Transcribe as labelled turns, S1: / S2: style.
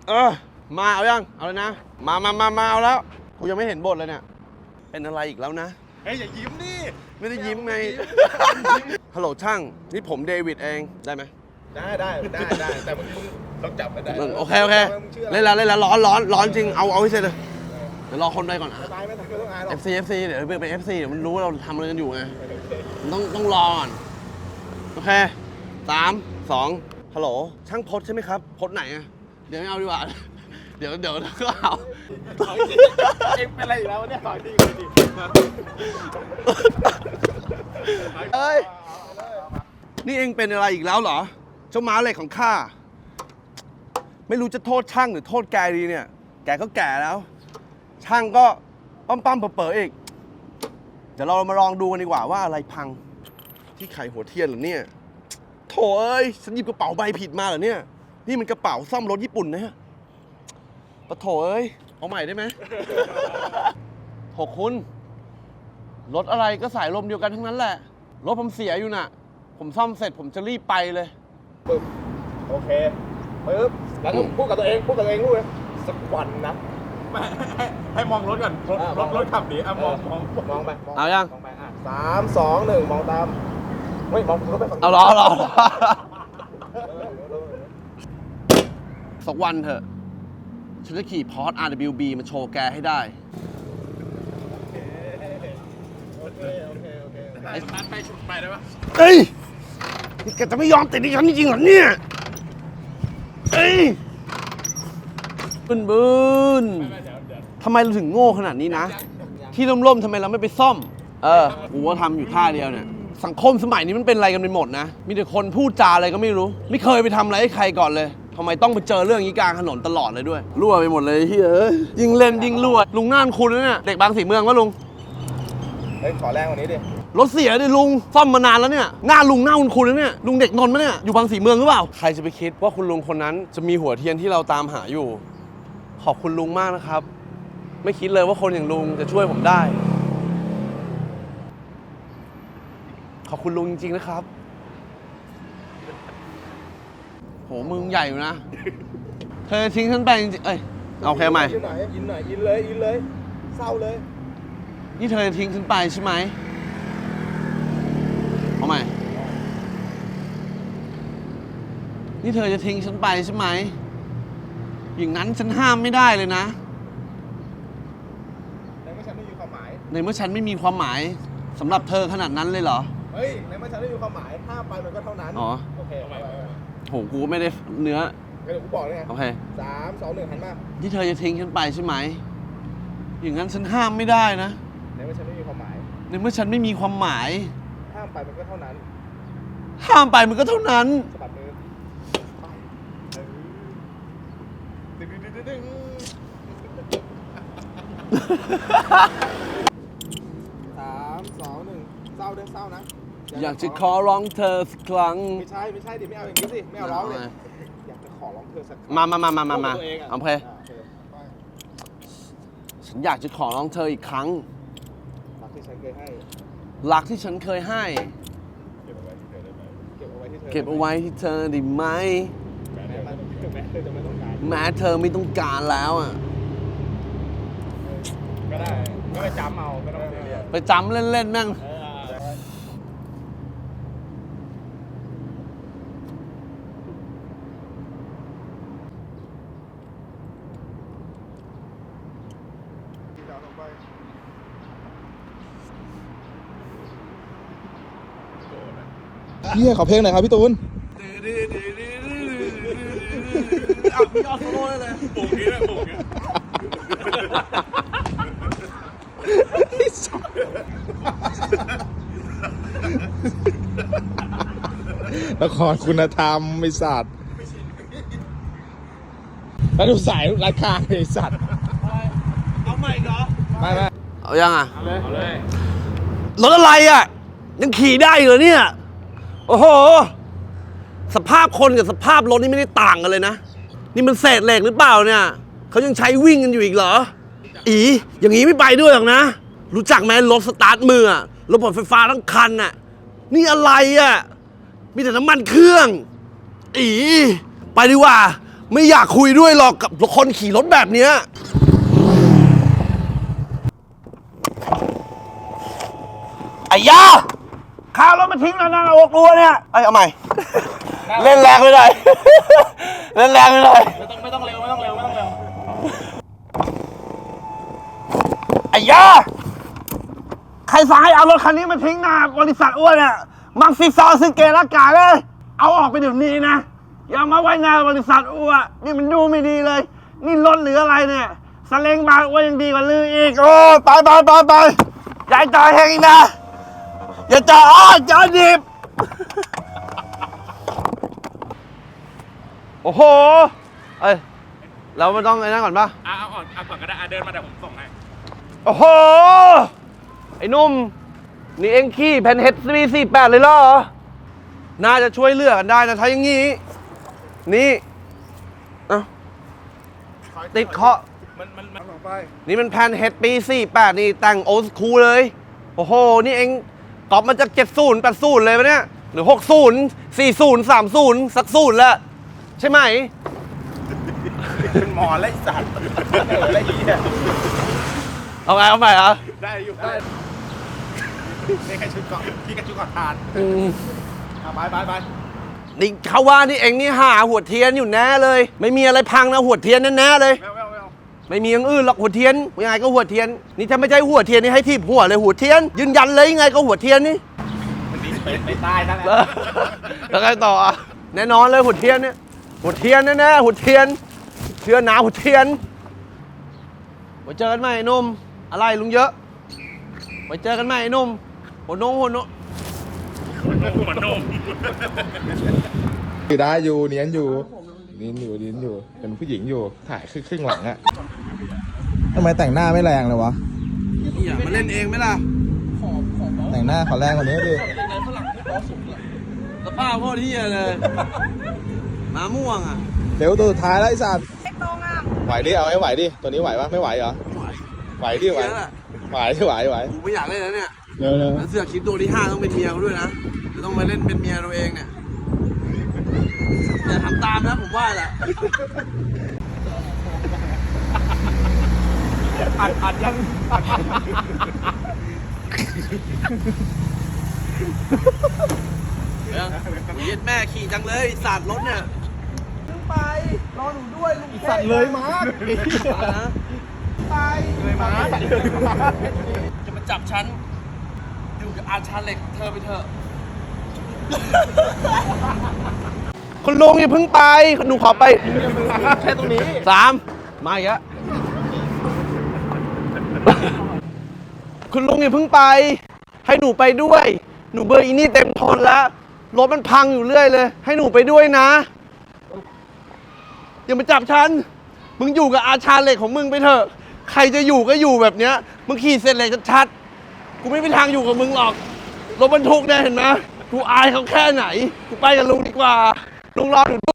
S1: มาเอายังเอาเลยนะมาเอาแล้วกูยังไม่เห็นบทเลยเนี่ยเป็นอะไรอีกแล้วนะ
S2: เฮ้ยอย่ายิ้มดิ
S1: ไม่ได้ยิ้มไงฮัลโหลช่างนี่ผมเดวิดเองได้ไหม
S2: ได้แต่มึงต้องจับกันได้
S1: โอเคเล่นแล้วร้อนจริงเอาให้เสร็จเลยเดี๋ยวรอคนไปก่อนนะ FC เดี๋ยวเป็น FC เดี๋ยวมันรู้ว่าเราทำอะไรกันอยู่ไงต้องรอก่อนโอเค3 2ฮัลโหลช่างพดใช่ไหมครับพดไหนอะเดี๋ยวไม่เอาดีกว่าเดี๋ยวก็เอา
S2: เอ็งเป็นอะไรอีกแล้วเนี่ยขอดี
S1: เอ้ยนี่เองเป็นอะไรอีกแล้วเหรอเจ้าม้าเหล็กของข้าไม่รู้จะโทษช่างหรือโทษแกดีเนี่ยแกก็แก่แล้วช่างก็ปั้มเป๋ออีกเดี๋ยวเรามาลองดูกันดีกว่าว่าอะไรพังที่ไขหัวเทียนเหรอเนี่ยโถเอ้ยฉันหยิบกระเป๋าใบผิดมาเหรอเนี่ยนี่มันกระเป๋าซ่อมรถญี่ปุ่นนะฮะปะโถเอ้ยเอาใหม่ได้ไหมโถคุณรถอะไรก็สายลมเดียวกันทั้งนั้นแหละรถผมเสียอยู่น่ะผมซ่อมเสร็จผมจะรีบไปเลย
S2: ปึ๊บโอเคปึ๊บแล้วก็พูดกับตัวเองรู้เลยสักวันนะให้มองรถก่อนรถขับหนีมองไป
S1: เอายัง
S2: มองไป3 2 1มองตามไม่มองรถไปฝั่ง
S1: เอารอสักวันเถอะฉันจะขี่พอร์ต RWB มาโชว์แกให้ได้
S2: โอเคไปชุดไปได้ปะ
S1: เฮ้ยนี่แกจะไม่ยอมติดดิฉันจริงๆเหรอเนี่ยเฮ้ยบึนทำไมเราถึงโง่ขนาดนี้นะที่ล่มๆทำไมเราไม่ไปซ่อมกูว่าทำอยู่ท่าเดียวเนี่ยสังคมสมัยนี้มันเป็นอะไรกันไปหมดนะมีแต่คนพูดจาอะไรก็ไม่รู้ไม่เคยไปทำอะไรให้ใครก่อนเลยทำไมต้องไปเจอเรื่องนี้กลางถนนตลอดเลยด้วยรั่วไปหมดเลยเฮ้ยยิงเล่นยิงรั่วลุงน่านคุณนะเนี่ยเด็กบางสีเมืองวะลุง
S2: เฮ้ยขอแรงกว่านี้ดิ
S1: รถเสียดิลุงซ่อมมานานแล้วเนี่ยหน้าลุงหน้าคุณนะเนี่ยลุงเด็กนนท์มั้ยเนี่ยอยู่บางสีเมืองหรือเปล่าใครจะไปคิดว่าคุณลุงคนนั้นจะมีหัวเทียนที่เราตามหาอยู่ขอบคุณลุงมากนะครับไม่คิดเลยว่าคนอย่างลุงจะช่วยผมได้ขอบคุณลุงจริงๆนะครับโหมึงใหญ่อยู่นะเธอทิ้งฉันไปจริงๆเอาแค่ใหม่
S2: อินหน่อยอินเลยเศร้าเลย
S1: นี่เธอทิ้งฉันไปใช่ไหมเอาใหม่นี่เธอจะทิ้งฉันไปใช่ไหมอย่างนั้นฉันห้ามไม่ได้เลยนะ
S2: ในเมื่อฉันไม่มีความหมาย
S1: ในเมื่อฉันไม่มีความหมายสำหรับเธอขนาดนั้นเลยเหรอ
S2: เฮ้ยในเมื่อฉันไม่มีความหมายห้ามไปมันก็เท่านั้น
S1: อ๋อ
S2: โอเค
S1: โหกูไม่ได้เนื้อ
S2: เดี๋ยวกูบอกเลยไง
S1: โอเค
S2: 3 2 1หันมา
S1: ที่เธอจะทิ้งฉันไปใช่ไหมอย่างนั้นฉันห้ามไม่ได้นะ
S2: ในเมื่อฉันไม่มีความหมาย
S1: ในเมื่อฉันไม่มีความหมาย
S2: ห้ามไปมันก็เท่านั้น
S1: ห้ามไปมันก็เท่านั้น
S2: สะบัดมือ3 2 1เศร้าด้วยเศร้านะ
S1: อยากจะขอร้องเธอสักครั้ง
S2: ไม่ใช่ดิไม่เอาอย่างนี้สิไม่เอาร้องเลยอยากจะขอร้องเธอสักครั้ง
S1: มาโอเคฉันอยากจะขอร้องเธออีกครั้ง
S2: รักที่ฉันเคยให้
S1: รักที่ฉันเคยให้เก็บเอาไว้ที่เธอได้ไหมแม้เธอไม่ต้องการแล้วอ่ะ
S2: ก็ได้ก็ไปจำเอาไม่ต้องเรียน
S1: ไปจำเล่นๆแม่ง
S2: เฮียขอเพลงหน่อยครับพี่ตูน
S1: เอาพี่ยอดโซโล่เลยปุ่งนี้เลยปุ่งนี้
S2: ละครคุณธรรมไอ้สัตว์แล้วดูสายราคาไอ้สัตว์
S1: เอาใหม่เหรอ
S2: ไม่
S1: เอายังอ่ะ
S2: เอาเลย
S1: รถอะไรอ่ะยังขี่ได้เหรอเนี่ยโอ้โหสภาพคนกับสภาพรถนี่ไม่ได้ต่างกันเลยนะนี่มันเศษเหล็กหรือเปล่าเนี่ยเขายังใช้วิ่งกันอยู่อีกเหรออย่างนี้ไม่ไปด้วยหรอกนะรู้จักไหมรถสตาร์ทมือรถไฟฟ้าทั้งคันน่ะนี่อะไรอ่ะมีแต่น้ำมันเครื่องไปดีกว่าไม่อยากคุยด้วยหรอกกับคนขี่รถแบบเนี้ยไอ้ยาข้าวรถมาทิ้งแล้วนะเรากลัวเนี่ยไอ้เอาใหม่ เล่นแรงไม่ได้ เล่นแรงไม่ได้
S2: ไม่ต้องเร็วไม่ต้องเร็วไม่ต้องเร็ว
S1: ไอ้ยาใครสั่งให้เอารถคันนี้มาทิ้งหน้าบริษัทอ้วนเนี่ยมักซิซอซึเกะละกาเลยเอาออกไปเดี๋ยวนี้นะอย่ามาไว้หน้าบริษัทอ้วนนี่มันดูไม่ดีเลยนี่รถหรืออะไรเนี่ยสเลงบางอ้วนยังดีกว่าลืออีกโอ้ไปอย่าจ่ายแหงอีกนะอย่าจ่ายจ่ายดิบโอ้โหเอ้ยเราไม่ต้องไอ้นั่นก่อนปะ
S2: เอาก่อนก็ได้เดินมาเดี๋ยวผมส่งให้
S1: โอ้โห ไอ้นุ่ม นี่เอ็งขี้แผ่นเฮด48เลยเหรอ น่าจะช่วยเหลือกันได้นะถ้าอย่างงี้ นี่เอ้าติดเคาะ
S2: มันลงไป
S1: นี่มันแผ่นเฮดปี 48 นี่แต่งโอสคูลเลย โอ้โห นี่เอ็งก๊อปมาจาก 70 80 เลยปะเนี่ย หรือ 60 40 30 สักศูนย์ละใช่ไหม
S2: เป็นหมอไล่สัตว์ไล่เหี้ย
S1: เอาใหม่เหรอ
S2: ได้อยู่ได้นี่แค่ชุดเกาะที่กับชุดเกาะทานไป
S1: นี่เขาว่านี่เองนี่หาหัวเทียนอยู่แน่เลย ไม่มีอะไรพังนะหัวเทียนแน่ๆเลย ไม่มีอย่างอื่นหรอกหัวเทียนยังไงก็หัวเทียน นี่ถ้าไม่ใช่หัวเทียนนี่ให้ทีบหัวเลยหัวเทียน ยืนยันเลยยังไงก็หัวเทียนนี่
S2: มันนี้ไปใต้นั่นแหละ
S1: แล้วไงต่ออ่ะแน่นอนเลยหัวเทียนเนี่ยหัวเทียนแน่ๆหัวเทียนเชื่อหนาหัวเทียนไว้เจอกันใหม่ไอ้หนุ่มอะไรลุงเยอะไว้เจอกันใหม่ไอ้หนุ่มหัวนง
S2: หัวนม
S3: อยู่ได้อยู่เนียนอยู่เป็นผู้หญิงอยู่ถ่ายครึ่งหลังอะทำไมแต่งหน้าไม่แรงเลยวะ
S1: นี่อย่ามาเล่นเองไหมล่ะ
S3: แต่งหน้าขอแรงกว่านี้ดิ
S1: สภาพโคตรเฮียเลยมาม่วงอ่ะ
S3: เดี๋ยวตัวสุดท้ายแล้วไอ้สัตว์ไหวดิเอาให้ไหวดิตัวนี้ไหวปะไม่ไหวเหรอไหวดิไหว
S1: กูไม่อยากเล่นแล้วเนี่ย
S3: เร็ว
S1: แล้วเสือกคลิปตัวที่ 5 ต้องเป็นเมียเขาด้วยนะจะต้องมาเล่นเป็นเมียตัวเองเนี่ยอย่าทำตามนะผมว่าแหละ
S2: อัดยัง
S1: เย็ดแม่ขี่จังเลยสาดรถเนี่ยขึ้นไปรอหนูด้วยลุง
S2: สัตว์เลยมา
S1: ไป
S2: เลยมา
S1: จะมาจับฉันอยู่กับอาชาเหล็กเธอไปเถอะคุณลุงอย่าเพิ่งไปหนูขอไป
S2: แค่ตรงนี้
S1: 3มาอีกแล้วคุณลุงอย่าเพิ่งไปให้หนูไปด้วยหนูเบอร์อีนี่เต็มทนแล้วรถมันพังอยู่เรื่อยเลยให้หนูไปด้วยนะอย่ามาจับฉันมึงอยู่กับอาชาเหล็กของมึงไปเถอะใครจะอยู่ก็อยู่แบบเนี้ยมึงขี่เสร็จเหล็กชัดๆกูไม่มีทางอยู่กับมึงหรอกรถบรรทุกเนี่ยเห็นไหมกูอายเขาแค่ไหนกูไปกับลุงดีกว่าลุงรอหนูด้วย